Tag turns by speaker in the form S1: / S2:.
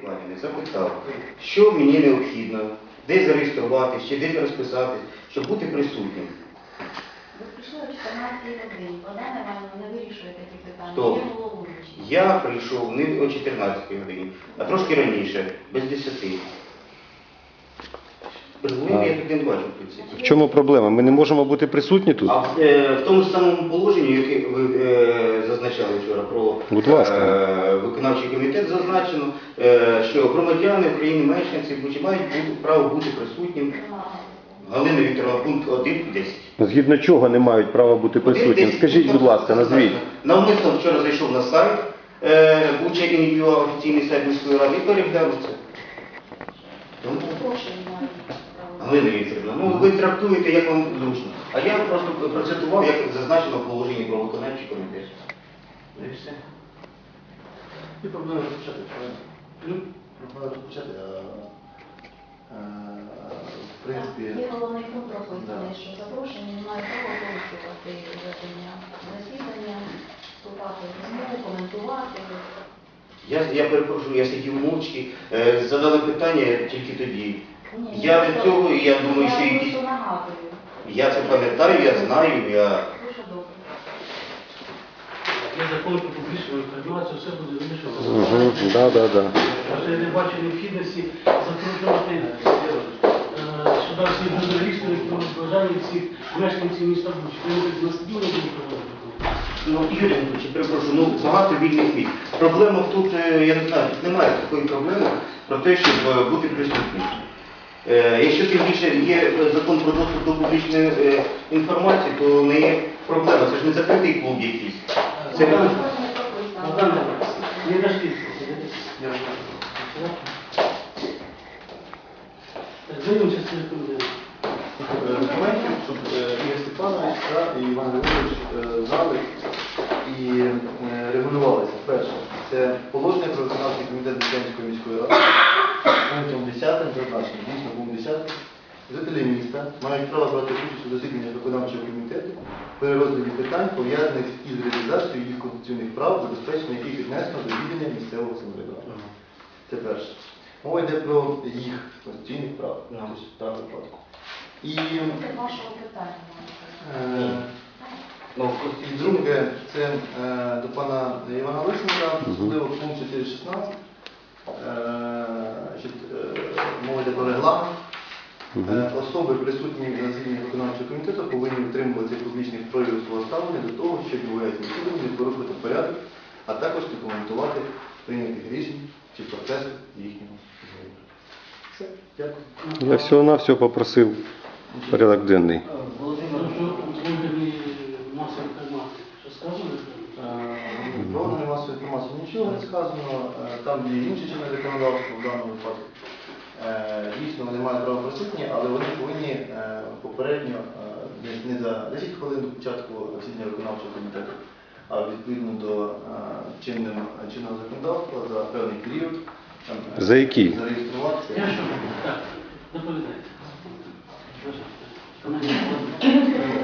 S1: Іванівни запитав, що мені необхідно, де зареєструватись, чи де розписатись, щоб бути присутнім.
S2: Ви прийшли о 14 годині, Богдан Івановна не вирішує такі питання,
S1: Хто?
S2: є головуючий.
S1: Я прийшов не о 14 годині, а трошки раніше, без 10. Регулярно я тут не бачу, в принципі.
S3: В чому проблема? Ми не можемо бути присутні тут?
S1: А в тому ж самому положенні, яке ви зазначали вчора про
S3: Будь ласка.
S1: виконавчий комітет, зазначено, що громадяни України, мешканці Бучі мають право бути присутнім. Галина Вікторовна, пункт 1.10.
S3: Згідно чого не мають права бути присутніми? Скажіть, будь ласка, назвіть.
S1: Навмисно вчора зайшов на сайт, Буча ініціював офіційний сайт міської ради і переглянув це. Тому, Галина Вікторівна, ну ви трактуєте, як вам зручно. А я просто процитував, як зазначено в положенні про виконавчий комітет. І все.
S4: І проблема розпочати, правильно? Проблема розпочати, в принципі...
S2: Є головний пункт прописаний, що запрошені не мають права порушувати ведення засідання, вступати в розмову, коментувати.
S1: Я перепрошую, я сидів мовчки, задали питання тільки тоді.
S2: Ні,
S1: Я від цього, і я думаю, що
S2: я
S1: якісь...
S2: просто нагадую.
S1: Я це пам'ятаю, я знаю, я...
S2: Дуже добре.
S5: Є закон про публічну інформацію, все буде вирішено.
S3: Да.
S5: Я не бачу необхідності закручувати сюди всі журналісти, бажання всіх мешканців міста Бучі. Вони будуть на стадіоні будуть проводити.
S1: Ну, Юрій Анатолійович, перепрошую, ну багато вільних місць. Проблема тут, я не знаю, тут немає такої проблеми про те, щоб бути присутнім. Якщо тим більше є закон про доступ до публічної інформації, то не є проблема. Це ж не закритий клуб якийсь. Це
S2: Закон не прописано.
S5: Не дошли. Так, займемося з цим рекомендацією.
S4: Документів, щоб Ігор Степанович і Іван Григорович знали і регулювалися. Перше, це положення про виконавчий комітет Бучанської міської ради. Пунктом 10 зазначено, дійсно пункт 10. Жителі міста мають право брати участь у засіданнях виконавчого комітету при розгляді питань, пов'язаних із реалізацією їх конституційних прав, забезпечення яких віднесено до відділення місцевого самоврядування. Це перше. Мова йде про їх конституційних прав, тобто в даному випадку. І
S2: Це вашого питання.
S4: і друге, це до пана Івана Лисенка, особливо пункт 4.16. Мова йде про регламент. Особи, присутні на засіданні виконавчого комітету, повинні утримуватися публічних проявів свого ставлення до того, що відбувається на засіданні, не порушувати порядок, а також не коментувати прийнятих рішень чи процесу їхнього зговору. Все, дякую.
S3: Я всього-навсього попросив порядок денний.
S1: Володимир,
S5: Масової інформації. Що сказано?
S4: Про органи масової інформації нічого не сказано, там є інші чинне законодавство в даному випадку. Дійсно, вони мають право присутні, але вони повинні попередньо, не за 10 хвилин до початку засідання виконавчого комітету, а відповідно до чинного законодавства за певний період
S3: За який?
S4: зареєструватися.
S5: Я що? Так, доповідайте.